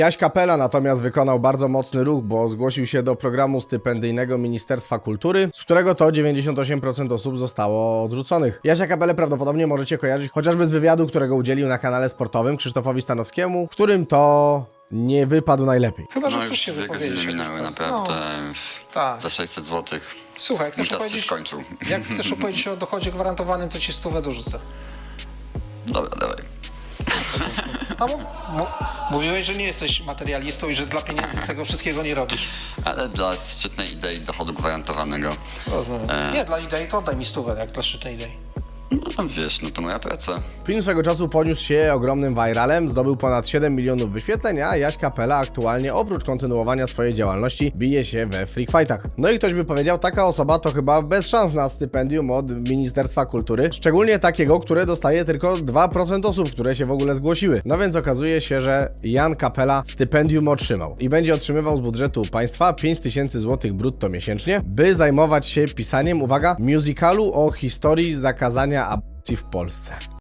Jaś Kapela natomiast wykonał bardzo mocny ruch, bo zgłosił się do programu stypendyjnego Ministerstwa Kultury, z którego to 98% osób zostało odrzuconych. Jasia Kapelę prawdopodobnie możecie kojarzyć chociażby z wywiadu, którego udzielił na kanale sportowym Krzysztofowi Stanowskiemu, w którym to nie wypadł najlepiej. Chyba, że No chcesz już się 2 wypowiedzieć. godziny minęły, naprawdę. tak. Za 600 zł. Słuchaj, jak Mój chcesz czas się opowiedzieć, skończył. jak chcesz opowiedzieć o dochodzie gwarantowanym, to ci 100 dorzucę. Dobra, dawaj. A mówiłeś, że nie jesteś materialistą i że dla pieniędzy tego wszystkiego nie robisz. Ale dla szczytnej idei dochodu gwarantowanego. Rozumiem. Nie, dla idei to oddaj mi 100, jak dla szczytnej idei. No wiesz, no to moja praca. Film swego czasu poniósł się ogromnym viralem, zdobył ponad 7 milionów wyświetleń, a Jaś Kapela aktualnie oprócz kontynuowania swojej działalności bije się we freak fightach. No i ktoś by powiedział, taka osoba to chyba bez szans na stypendium od Ministerstwa Kultury, szczególnie takiego, które dostaje tylko 2% osób, które się w ogóle zgłosiły. No więc okazuje się, że Jan Kapela stypendium otrzymał i będzie otrzymywał z budżetu państwa 5000 zł brutto miesięcznie, by zajmować się pisaniem, uwaga, musicalu o historii zakazania aborcji w Polsce.